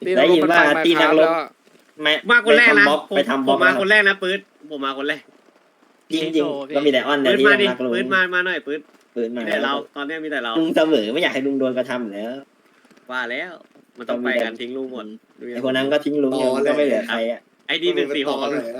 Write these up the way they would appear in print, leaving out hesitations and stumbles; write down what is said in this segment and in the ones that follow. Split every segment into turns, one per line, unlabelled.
ได้ยินว่าตีนักรบ
มาคนแรกนะ
ไปทำบ
ผ
ล็อ
ม
ก
มา
นะ
คนแรกนะปื๊ดผมมาคนแรก
จริงจริงๆก็มีแต่อ้อนแต่
ปื๊ด
ที่
มา
ยัง
ดิ
รักลุง
ปื๊ดมาหน่อยปื๊ด
ปืนมา
มีแต่เราตอนนี้มีแต่เรา
ลุงเสมอไม่อยากให้ลุงโดนกระทำอยู่แล้ว
ว่าแล้วมันต้องไปกันทิ้งลุงหมด
ไอคนนั้นก็ทิ้งลุงเนี่ยมันก็ไม่เหลือใครอ่ะ
ไอ้ดี146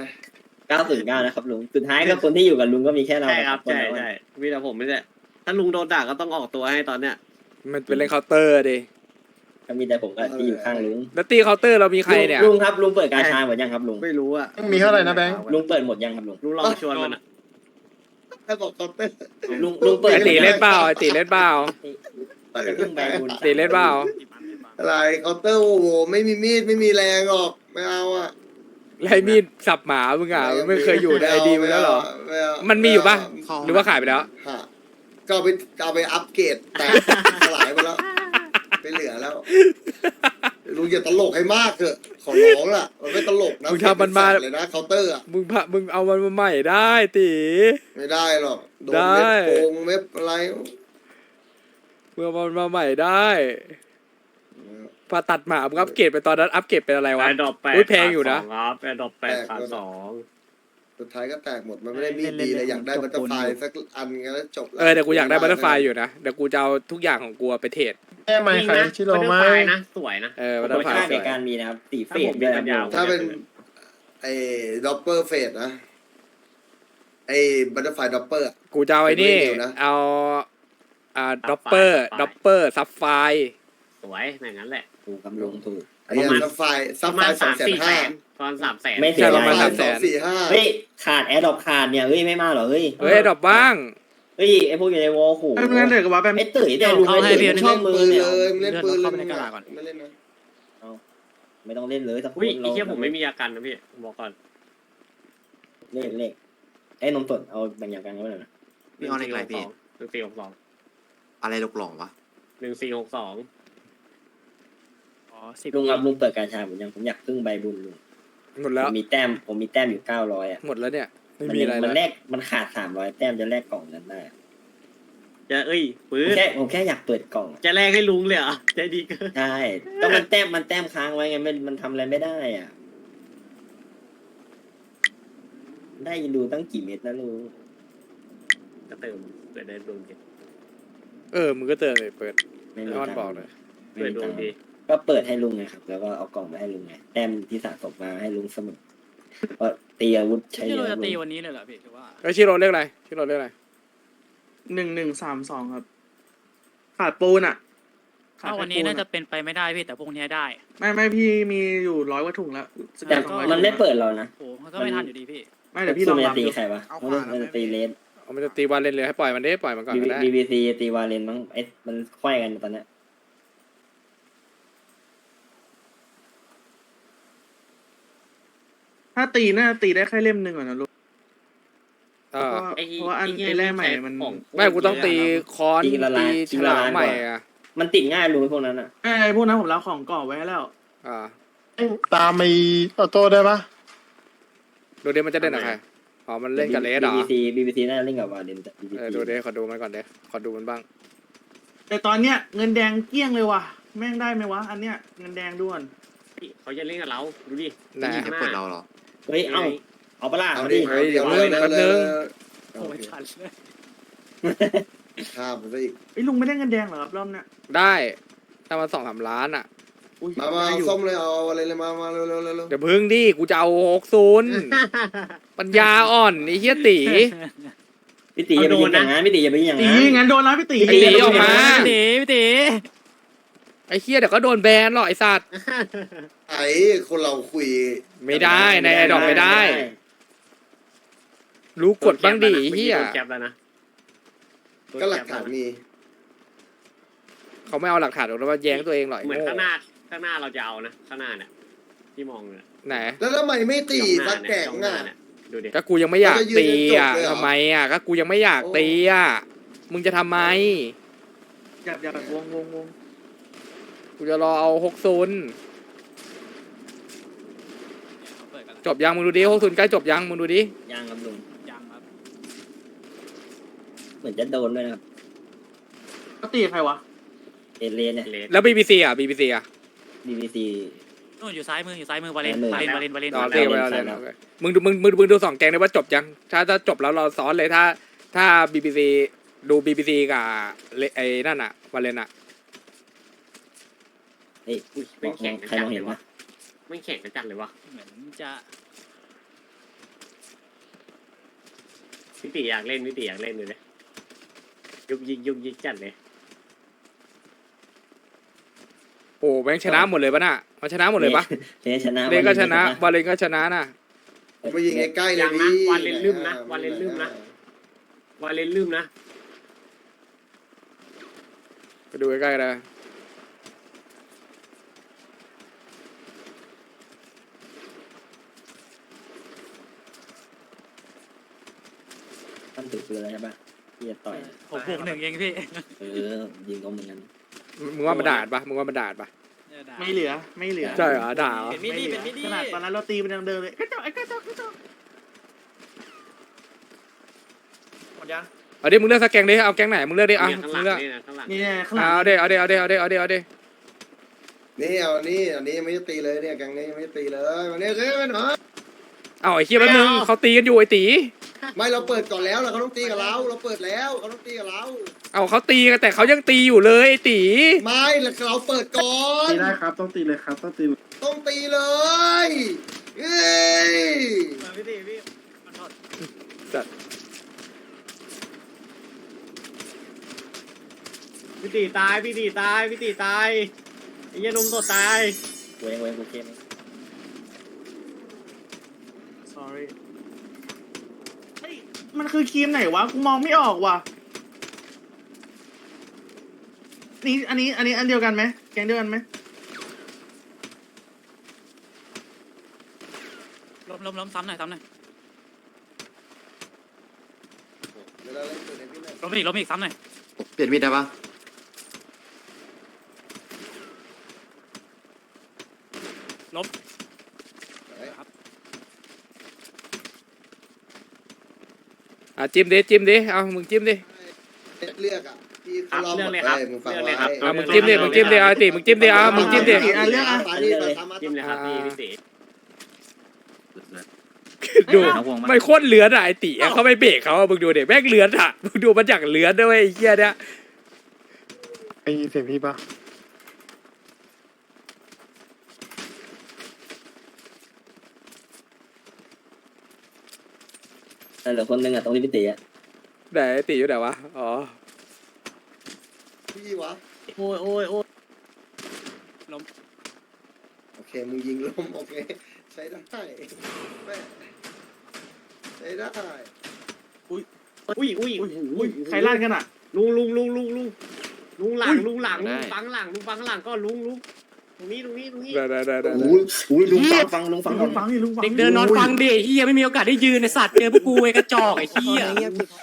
909นะครับลุงสุดท้ายก็คนที่อยู่กับลุงก็มีแค่เรา
ใช่ครับ
น
ใช่
เดียว
ใช่มีแต่ผมไม่ได้ถ้าลุงโดนด่าก็ต้องออกตัวให้ตอนเนี้ย
มันเป็นเล่นเคาน์เตอร์ดิ
ก็มีแต่ผมกับที่อยู่ข้างลุง
แล้วตีเคาน์เตอร์เรามีใครเนี่ย
ลุงครับลุงเปิดกาชาหมดยังครับลุง
ไม่รู้อะ
มีเท่าไหร่นะแบงค์
ลุงเปิดหมดยังครับลุง
ลุงลองชวนมันอะ
ไอ้บอกคอมเตอร์
ลุงเปิด
ไอตีเล่นเปล่าไอตีเล่นเปล่า
จะพึ่งใบบุญ
ตีเล่นเปล่า
อะไรคอมเตอร์โอ้โหไม่มีมีดไม่มีแรงหรอกไม่เอาอ่ะ
ไรมีดสับหมามึงอ่ะมึงไม่เคยอยู่ในไอดีมึงแล้วเหรอ
ไม่เอา
มันมีอยู่ปะหรือว่าขายไปแล้ว
ฮะก็เอาไปอัปเกรดแต่สลายไปแล้วไม่เหลือแล้วลุงอย่าตลกให้มากเถอะขอร้องล่ะมันไม่ตลกนะ
มึงทำมันมา
เลยนะเคาน์เตอร์อ่ะ
มึงเอามันมาใหม่ได้ตี
ไม่ได้หรอกโดน
ได้
เม็ดโกงเม็ดอะไร
มึงเอามันมาใหม่ได้พอตัดหมามึงอัปเกรดไปตอนนั้นอัปเกรดเป็นอะไรวะ
แอร์ดรอป8
อุ๊ยแพงอยู่นะ
ครับแอร์ดรอป8ขาด2
สุดท้ายก็แตกหมดมันไม่ได้มีดดีเลยอยากได้บัตเตอร์ไฟสักอันกันแล้วจบแล้ว
เดี๋ยวกูอยากได้บัตเตอร์ไฟอยู่นะเดี๋ยวกูจะเอาทุกอย่างของกูไปเทรด
แม่ไม่ใครชิโร่ไหม
นะสวยนะ
บัตเตอ
โด
ร์
ย
ไฟ
ค่า
ส
ใน
วย
การมีนะครับตีเฟ
ถ้าผ
ส
ม
ด้วย
มีปัญญา
นะ
ถ้าเป็นไอ้ด็อปเปอร์เฟสนะไอ้บัตเตอร์ไฟด็อปเปอร์
กูจะเอาไอ้นี่
เป็นเมนูนะ
เอาด็อปเปอร์ซับไฟ
สวยอย่างนั้นแหละ
ถูกกำลุงถูก
ไอ้เนี่ยซับไฟ
ประมาณ
200,000
ตอน300,000
ไม่เสีย
ใช่ประมาณ
ดาย
300,000
เฮ้ยขาดแอร์ดรอปขาดเนี่ยเฮ้ยไม่มาหรอเฮ้ย
เฮ้ยดรอปบ้าง
เฮ้ยไอพวกอยู่ในวอลขู่
ไม่เล่นเลยกับว่าแบบ
ไอตื่นแต่ลุงไอตื่นชอบมือเนี่ย
เล่นปืนเลยไม่เล่นนะ
ไม่ต้องเล่นเลยสักค
อุ้ย
น
ไอ้เหี้ยผมไม่มีอาการนะพี่บอกก่อน
เล่นเล่นไอ้นมสดเอาแบ่งอย่างกันก็ได้นะ
พี่เอาเลขอะไรพี่
1462
อะไรหลอกหลองวะ
1462
ลุงครับลุงเปิดการชาผมยังผมอยากพึ่งใบบุญลุง
หมดแล้ว
ผมมีแต้มอยู่900อ่ะ
หมดแล้วเนี่ยไม่มีอะไร
มั
แล้
น
ว
แลกมันขาด300แต้มจะแลกกล่องนั้นได้
จะปื๊ด
ผมแค่อยากเปิดกล่อง
จะแลกให้ลุงเลยเหรอใจดีเกิน
ใช่ก็มันแต้มค้างไว้ไงมันทำอะไรไม่ได้อ่ะ ได้ดูตั้งกี่เม็ดนะลุง
ก็เติมเปิดได้ดวงดี
มึงก็เตือนเลยเปิด
ไม่มี
อ้อน
ตัง
บอก
ค์
เลย
ไม่
เปิด
มี
ดว
ตั
ง
งค์
ดี
ก็เปิดให้ลุงไงครับแล้วก็เอากล่องมาให้ลุงไงแต้มที่สะสมมาให้ลุงเสมอก็ตีอาวุธใช้
ที่
เย
เรา
อะ
จะ
ลุ
ตี
ง
วันนี้เลยเหรอพี่หรือว่า
ชิโร่เรียกอะไรชิโร่เรียกอะไร
1132ครับขาดปูนอ่ะ
ถ้าวันนี้น่าจะเป็นไปไม่ได้พี่แต่พรุ่งนี้ได้
ไม่พี่มีอยู่100 กว่าถุงแล้ว
แต่มันไม่เปิดเรานะ
โอ้มันก็ไม่ทันอยู่ดีพี่
ไม่เดี๋ยวพี่ลอง
มันจะ
รับ
ตี
ดู
ใครวะมันจะตีเลน
มันจะตีวันเล่นเลยให้ปล่อยมันได้ปล่อยมันก่อนก็ได้
BBC ตีวาเลนมั้งมันควายกันตอนเนี้ย
ถ้าตีน่าจะตีได้แค่เล่มหนึ่งก่อนนะลูก
อ่า
เพราะว่าอันไอ้แร่ใหม่มัน
ไม่กูต้องตีคอนตีฉลามใหม่อ่ะ
มันติดง่ายลุงพวกนั้นอ่ะ
ไอ้พวกนั้นผมรับของก่อไว้แล้ว
ตามไอ้ออโต้ได้ปะ
ดูเดมันจะเล่นกับใครอ๋อมันเล่นกับเลสเหรอ
BBC น่าจะเล่นกับวาเลน
ดูเดขอดูมันก่อนเดขอดูมันบ้าง
แต่ตอนเนี้ยเงินแดงเกลี้ยงเลยว่ะแม่งได้ไหมวะอันเนี้ยเงินแดงด้วน
เขาจะเล่นกับเราดูดิ
ไหน
จะเปิดเราเหรอ
เฮ้ยเอาปะล่ะเอาดิ
เฮ้ยเดี๋ยวเริ่มแป๊บนึง
โอ้ยทันเลย
ข้ามไปซะอีก
ไอ้ยลุงไม่ได้เงินแดงเหรอครับรอบเนี้ย
ได้ถ้ามัน2-3 ล้านอ่ะ
อุ้ย
มา
ได้อยู่
ส้มเลยเอาอะไรเลยมาเร็วเร็ว
เดี๋ยวพึ่งดิกูจะเอา60ปัญญาอ่อนไอ้เหี้ยตี
พี่ตีอย่าไปยิงอย่างนั้นพี่ตีอย่าไปยิงอย่าง
ตี
นั้น
งั้นโดนแล้วพี่ตี
ไอ้ตีออกมา
พี่ตี
ไอ้เหี้ยเดี๋ยวก็โดนแบนหรอกไอ้สัตว์
ไอ้คนเราคุย
ไม่ได้ในไอดอกไม่ได้ รู้กดบ้างดิเหี้ย
โดนแคปแล้วนะ
ก็หลักฐานมี
เขาไม่เอาหลักฐานหรอกแล้วมาแย้งตัวเองหรอกไอ้
เหมือน
โง่
ข้างหน้าเราจะเอานะข้างหน้าเนี่ยที่มองเนี่ย
ไหน
แล้วทำไมไม่ตีสักแกงอ่ะ
ดูดิ
ก็กูยังไม่อยากตีอ่ะ
จะยืนจนจบเลยเหรอ
ทำไมอ่ะก็กูยังไม่อยากตีอ่ะมึงจะทำไม
อย่าวง
กูจะรอเอา60จบยังมึงดูดิ60ใกล้จบยังมึงดูดิ
ยังครับลุง
ยังครับ
เหมือนจะโดนด้วยนะครับ
ก็ตีใครวะ
เอเลนเนี่ย
เลส
แล้ว BBC อ่ะ BBC อ่ะ
BBC
นู่นอยู่ซ้ายมือวาเลน
ซ้ายมือ
วาเลน
ต่อ
ได้
เรียกไป
ได้
เอาเลย
ได้
เอาเลยมึงดูสองแกงได้ว่าจบยังถ้าจบแล้วเราซ้อนเลยถ้า BBC ดู BBC กับไอ้นั่นอะวาเลนอะ
เฮ้ย
อุ้ยไม่งแข่ง
ใครมองเห็นปะ
ไม่งแข่งกันจัดเลยวะ
เหมือนจะ
พี่ตีอยากเล่นดูเลยยุกยิกจัดเลย
โอ้แม่งชนะหมดเลยปะน่ะมันชนะหมดเลยปะ
เนี่ยชนะ
เลนก็ชนะวาเลนก็ชนะน่ะ
ผมไปยิงใกล้ๆเลย
ยังนะ
พี่
วาเลนลืมนะวาเลนลืมนะ
ไปดูใกล้ๆเลย
ตั้งถือปืนแล้วใช่ปะที่จะต่อย
6-1เองพี่
ยิงก็เหมือนกัน
มึงว่ามันด่าปะมึงว่ามันด่าปะ
ไม่เหลือ
ใช่เหรอด่าเหรอ
ไม่เหลือขนาดตอนนั้นเราตีมันยังเดินเลยกระจอกกระจอก
หมดยัง
เอาดิมึงเลือกสักแกงดิเอาแกงไหนมึงเลือกดิอ่ะ
เนี่ยข้างห
มึ
ลั
ง
ง
เลือก
นี่นะข้างหลัง
นี่ข้างหลัง
เอาดิเอาดิ
นี่เอานี่อันนี้ยังไม่ได้ตีเลยเนี่ยแกงนี้ยังไม่ได้ตีเลยวันนี้เฮ้ยมันเหรอ
เอาไอ้เคียแป๊บนึงเขาตีกันอยู่ไอ้ตี
ไม่เราเปิดก่อนแล้วเขาต้องตีกับเราเปิดแล้วเขาต้องตีกับเรา
เอาเขาตีกันแต่เขายังตีอยู่เลยไอ้ตี
ไม่เราเปิดก่อน
ตีได้ครับต้องตีเลยครับต้องตี
ต้องตีเลยเฮ้ย
พี่ตีพี่
พี่ตีตายไอ้เหี้ยนมสดตาย
เว้งกูเข้ม
sorry มันคือครีมไหนวะกูมองไม่ออกว่ะนี่อันนี้อันเดียวกันไหมแกงเดียวกันไหม
ล้มซ้ำหน่อย
เดี๋ยวเราเล่นตัวในพี่หน่อย
ล้มอีกซ้ำหน่อย
เปลี่ยนมีดได้ปะ
อ่ะจิ้มดิเอามึงจิ้มดิ
เลือกอ่ะที่เขาลองหมดเลยมึงฟังไว้
อ่ะมึงจิ้มดิเอาไอ้ตีมึงจิ้มดิเอามึงจิ้มดิ
เลือกอ่ะไปดิไปทำมา
จิ้มเลยครับพี่ตี
ดูไม่โคตรเลือนอ่ะไอ้ตีอ่ะเขาไม่เบรกเขาอ่ะมึงดูเด็แม่งเลือนอ่ะมึงดูมันอย่างเลือนด้วยไอ้เหี้ยเนี่ย
ไอ้เสียงพี่ปะ
เหลือคนนึงอ่ะตรงที่พี่ตีอ่ะ
ไหนไอ้ตีอยู่ไหนวะอ๋อ
พี่วะ
โอ้ย
โอเคมึงยิงลมโอเคใช้ได้แม่ใช้ได้
อุ้ย
ใครลั่นกันอ่ะ
ลุงหลังฟังหลังก็ลุงตรงนี้
ได้
อุ้ยลุงฟัง
ลุงฟังนี่ลุงฟัง
เด็กเดินนอนฟังดิเฮียไม่มีโอกาสได้ยืนในสัตว์เจอพวกกูไอ้กระจอกไอ้เฮีย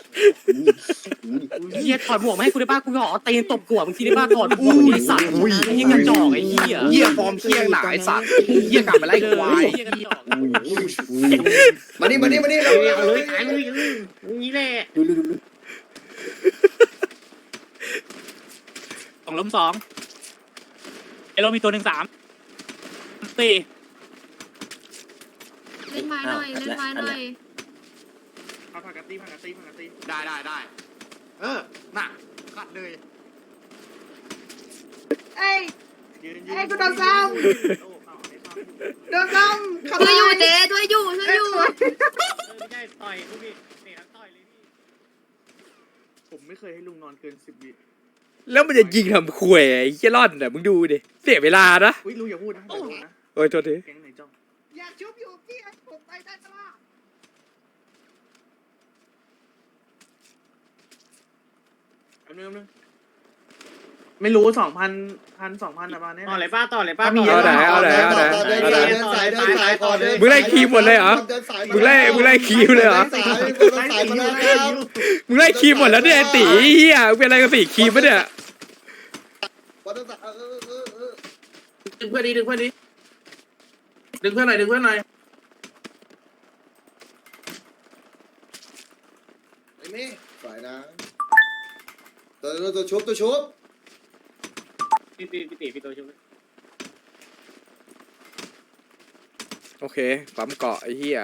เฮียถอดหมวกมาให้กูได้บ้างกูขอตีนตบหัวมึงทีได้บ้างถอดหมวกไอ้สัตว์ไอ้เฮียกระจอกไอ้เฮีย
เหี้ยฟอร์มเที่ยงหนาไอ้สัตว์เหี้ยกลับมาไล่ควาย
เฮียกระจอก
มานี่
เอาเลยตายเลยนี่แหละ
ล้ม2ไอ้ล้มมีตัว1 3 4
เล่นไม้หน่อย
เอาผักกะตี
ได้เออน่ะขัดเลย
เอ้ย
ยืน
เอ้ยกูโดนซ้ำโดนซ้ำช่วยอยู่เจ๊ช่วยอยู่
ไม่ใช่ต่อยลูกพี่เตะต่อยเลยพี่
ผมไม่เคยให้ลุงนอนเกิน10 วิ
แล้วมันจะยิงทำควยไอ้เหี้ยร่อนอ่ะมึงดูดิเสียเวลานะ
อุ้ยลุงอย่าพูดนะ
โอ้ยโทษที
แกงไหนจ้อง
อยากชุบอยู่พี่ผมไปได้ตลอด
อันนึงไม่รู้2,000 2,000ประมาณนี้
ต่อเลยป้า
เอาไหน
เดินสายก่อน
มึงไล่คีมหมดเลยเหรอมึงไล่คีมเลยเหรอ
สายมาแล้วครับ
มึงไล่คีมหมดแล้วเนี่ยไอ้ตีเหี้ยมึงเป็นอะไรกับตีคีมปะเนี่ย
วันสาย
ดึงเพื่อนหน่อยดึงเพื่อนหน่อย
ไอ้นี่สายนะตัวชุบ
พี่ตีพี่ตัวชุบ
โอเคปั๊มเกาะไอ้เหี้ย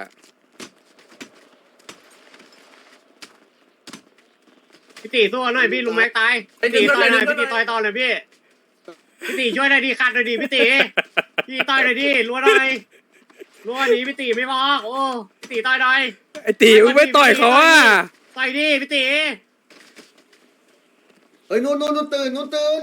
พี่ตีสู้หน่อยพี่ลุงแม็กตายพี่ตีต่อยหน่อยพี่ตีต่อยต่อหน่อยพี่ตีช่วยหน่อยดิขัดหน่อยดิพี่ตีพี่ต่อยหน่อยดิรัวหน่อยรัวนี้พี่ตีไม่บอกโอ้พี่ตีต่อยหน่อย
ไอ้ตีมึงไม่ต่อยเขาอ่ะ
ต่อยดิพี่ตี
เฮ้ยนู่นตื่น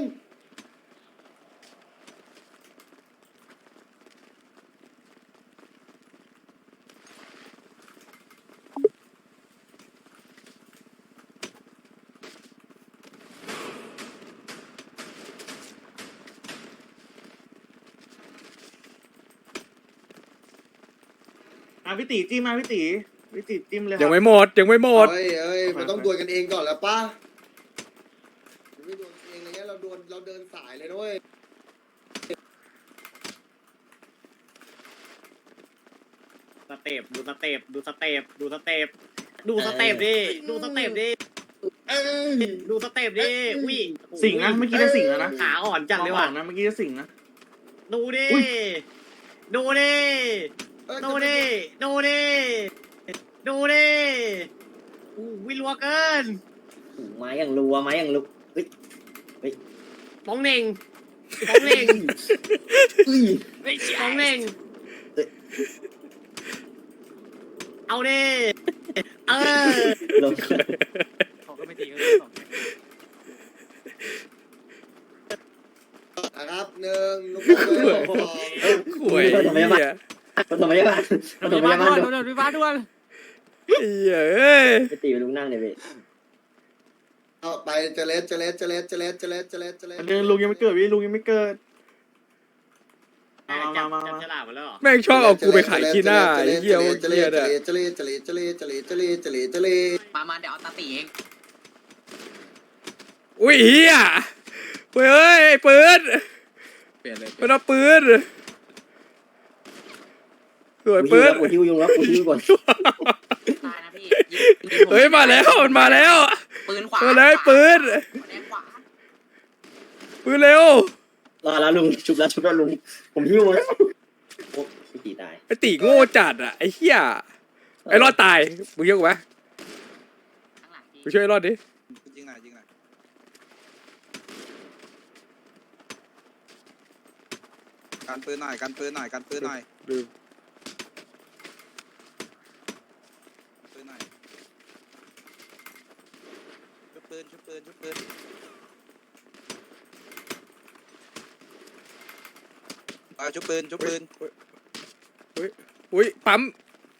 พี่ตีจิ้มมาพี่ตีจิ้มเลย
ยังไม่หมดยังไม่หมด
เฮ้ยมันต้องดวลกันเองก่อนแล้วป่ะไม่ดวลเองอะไรเงี้ยเราเดินสายเลยด้วย
สเต็ปดูสเต็ปดูสเต็ปดูสเต็ปดูสเต็ปดิดูสเต็ปดิดูสเต็ปดิอุ้ย
สิงนะเมื่อกี้ได้สิงแล้วนะ
ขาอ่อนจังเลยว่ะ
นะเมื่อกี้ได้สิงนะ
ดูดิ
อุ๊ย
ดูดิดูดิดูดิดูดิอู้วิลัวเกิน
ไม้อย่างรัวไม้อย่างลุกเฮ้ย
ป้องเหน่งป้องเหน่ง
อุ้ย
ป้องเหน่งเอาดิเออ
ลง
เขาก็ไม่ตีกัน
นะครับหนึ่งลูกบอลเลยสอง
หวยเหี้ย
ปฐมพยาบาลปฐมพยาบาล
โดนวิวาด่วน
เหี้ยเอ้ย
ไปตีไปลุงนั่งเลยเว้ย
เอาไปเจเลส
ลุงยังไม่เกิดพี่ลุงยังไม่เกิด
จับฉลากมาแล้วเหรอ
แม่งชอบเอากูไปขายขี้หน้าไอ้เหี้ยพวกเหี้ยเนี่ย
เจเล
มาเดี๋ยวเอาตาตีเอง
อุ้ยเหี้ยเฮ้ยไอ้ปืน
เปลี่ยนเลย
มันเอาปืนสวย
กู
ปืน
หิวยุงแล้วกูหิวก่อน
ตายนะพี่
เฮ้ยมาแล้วมันมาแล้ว
ปืนขวา
มาแล้วไอ้ปืน
แดงขวา
ปืนเร็ว
รอแล้วลุงชุบแล้วลุงผมหิวแล้วโอ้พี่ตีตาย
ไอ้ตีโง่จัดอ่ะไอ้เหี้ยไอ้รอดตายมึงเยอะกว่าไหม
ข้างหลังพี่
มึงช่วยไอ้รอดดิ
จริงหน่อยกันปืนหน่อย
ดู
ปืนหน่อยชุบปืนชุบปืน
อุ้ยปั๊ม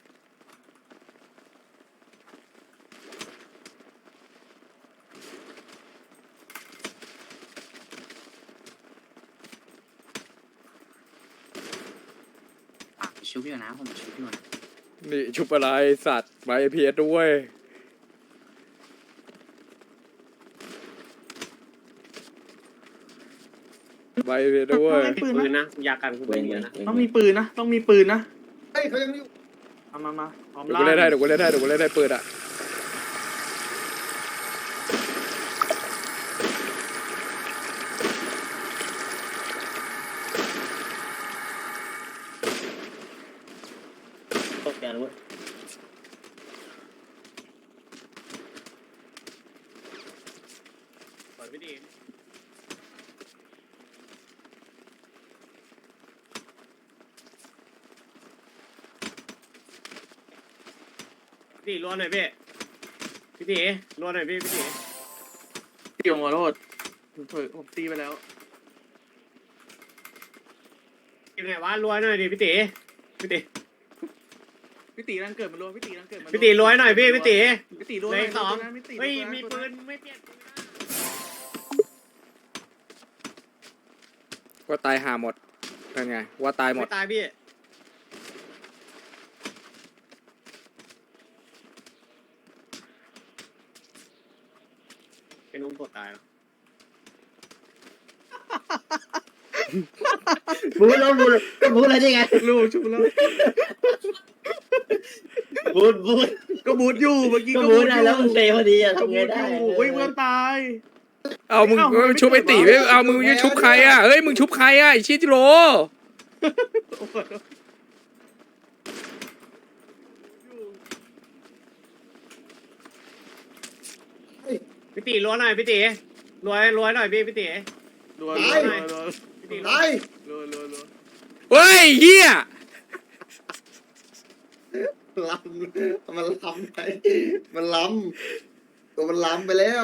ชูพี่นะผมชูพี่นะ
นี่ชุบอะไรสัตว์มาเอพีเอสด้วยใบเอพีเอสด้วย
ปืน
ปืน
นะ
นะยากันกูเป็นเยอะนะ
ต้องมีปืนนะต้องมีปืนนะ
เฮ้ยเขายังอยู่
มาพร้อม
เดี๋ยวกูเล่นได้ปืนอ่ะ
ตกกันเว้ย
เปิดไม่ดีพี่ตีรัวหน่อยพี่ตีรัวหน่อยพี่ตี
ตีผมขอโทษผมตีไปแล้ว
กินไหนวะรัวหน่อยดิพี่ตี
พี่ตีรังเกิดมันรวมพี่ตีรังเกิดมัน
พี่ตีรัวหน่อยพี่ตี
พี่ตีรวม
เลขสอง
พี่ตี
เฮ้ยมีปืนไม่เปลี่ยนปืนนะ
ว่าตายหาหมดเป็นไงว่าตายหมด
ไม่ตายพี่เป็นนุ่มกดตายแล้ว
บูแล้วบูอะไรได้ไง
ลูกชุบแล้ว
บู
ก็บูดอยู่เมื่อกี้
ก็
ก็
บู
บูด
ได้
อยู่
แล้วมึงเตะพอดีอะ
ก็
ทำไง
บูดอ
ได้
ยู่เฮ้ยเพื่อนตาย
เอามึง
เอ้ามันไม่
ชุบไอ้ตี
เกิด
ไม่
วะ
เอามึงจะชุบใครอ่ะเฮ้ยมึงชุบใครอ่ะไอชิจิโร่
พี่ตีรัวหน่อยพี่ตีรวยหน่อยพี่ตี
รัว
ไป
พี่ตี
ไป
รัว
เฮ้ยเฮีย
ล้ำมันล้ำไปมันล้ำตัวมันล้ำไปแล้ว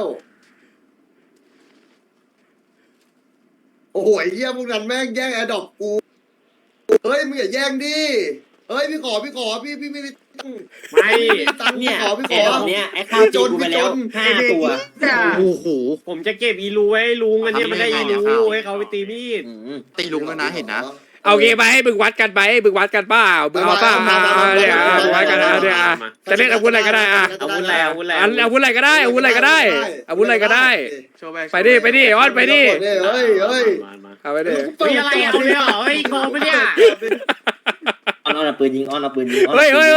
โอ้โหไอ้เหี้ยพวกนั้นแม่งแย่งแอร์ดรอปกูเฮ้ยมึงอย่าแย่งดิเฮ้ยพี่ขอพี่ไม่มีตังค์
ไม่
ตังค์
เนี่ย
พี่ข
แอ
อ
ร์ดรอปเนี่ยไอ้ข้าวจีกูไปแล้ว5 ตัว
โอ้โห
ผมจะเก็บอีรูไว้ให้ลุงอันเนี้ยมันได้อีรูให้เขาไปตีมีด
ตีลุงแล้วนะเห็นนะ
เอาเกมไปให้มึงวัดกันไปมึงวัดกันเปล่ามึงเอาเปล่าเนี่ยมึงวัดกันเนี่ยจะเล่นอาวุธอะไรก็ได้อะ
อาวุธอะไรอาวุธอะไร
อาวุธอะไรก็ได้อาวุธอะไรก็ได้อาวุธอะไรก็ได้
โชว์
ไปดิออนไปดิ
เฮ้ย
มา
เอาไปดิ
เฮ้ยอะไรเอาเลยเหรอเฮ้ยโกงปะเนี่ย
อ้อนเอาปืนยิงอ้อนเอาปืนยิง
เฮ้ย
อ้อน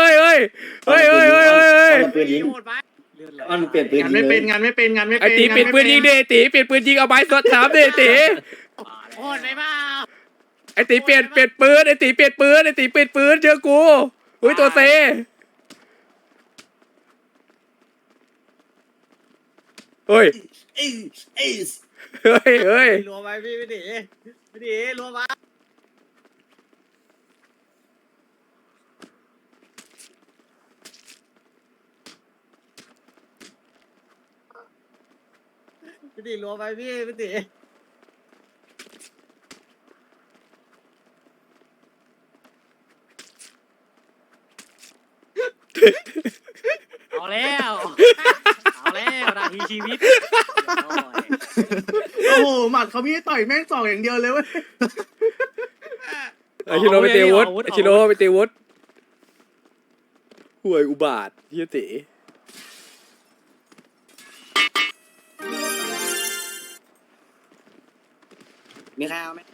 เอาปืนยิง
โหดไป
อ้อนเปลี่ยนปืน
งาน
ยิง
ไม่
เล
เป็
ย
นงานไม่เป็นงานไม่
ไอ
เป็น
ตีเปลี่ยนปืนยิงดิตีเปลี่ยนปืนยิงเอาไม้สดถามดิตี
โหดไปเปล่า
ไอตีเปลี่ยนปืนไอตีเปลี่ยนปืนไอตีเปลี่ยนปืนเจอกูอุ้ยตัวเซเฮ้ย
เอ้ยเอ้ย
เฮ้ย
รัวไปพี่ตีรัวไปพี่ตีรัวไปพี่ตี
เอาแล้วนาทีชีวิต
โอ้โหหมัดเขามีให้ต่อยแม่งสองอย่างเดียวเลยเว้ย
ไอชิโร่ไปตีวุฒไอชิโร่ไปตีวุฒห่วยอุบาทเฮียตี
มีใครเอาไหม